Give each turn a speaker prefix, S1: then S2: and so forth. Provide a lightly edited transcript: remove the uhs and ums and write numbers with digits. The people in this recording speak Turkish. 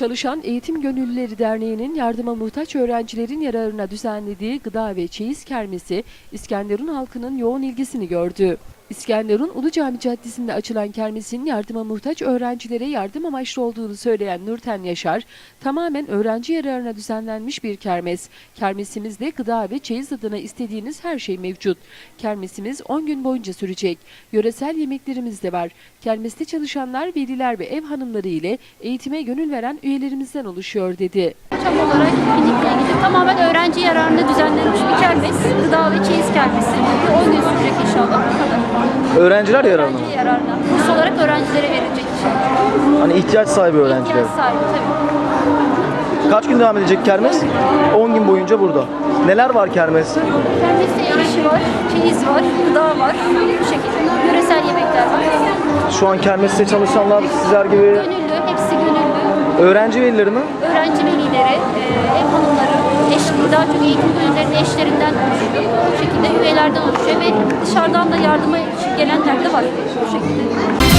S1: Çalışan Eğitim Gönüllüleri Derneği'nin yardıma muhtaç öğrencilerin yararına düzenlediği gıda ve çeyiz kermesi İskenderun halkının yoğun ilgisini gördü. İskenderun Ulu Cami Caddesi'nde açılan kermesin yardıma muhtaç öğrencilere yardım amaçlı olduğunu söyleyen Nurten Yaşar, tamamen öğrenci yararına düzenlenmiş bir kermes. Kermesimizde gıda ve çeyiz adına istediğiniz her şey mevcut. Kermesimiz 10 gün boyunca sürecek. Yöresel yemeklerimiz de var. Kermeste çalışanlar, veliler ve ev hanımları ile eğitime gönül veren üyelerimizden oluşuyor dedi.
S2: Çam olarak etkinlikle ilgili tamamen öğrenci yararına düzenlenmiş bir kermes. Gıda ve çeyiz kermesi. 10 gün sürecek inşallah. Bu kadar.
S3: Öğrenciler yararına mı?
S2: Öğrenci yararına. Kurs olarak öğrencilere verilecek inşallah.
S3: Hani ihtiyaç sahibi öğrenciler.
S2: İhtiyaç sahibi tabii.
S3: Kaç gün devam edecek kermes? 10 gün boyunca burada. Neler var kermeste?
S2: Kermeste el işi var, çeyiz var, gıda var. Bu şekilde yöresel yemekler var.
S3: Şu an kermeste çalışanlar sizler gibi
S2: Gönüllü, hepsi gönüllü.
S3: öğrenci velileri mi?
S2: Öğrenci velileri, ev hanımları, daha çok eğitim gönüllülerinin eşlerinden oluşuyor. Bu şekilde üyelerden oluşuyor ve dışarıdan da yardıma gelenler de var bu şekilde.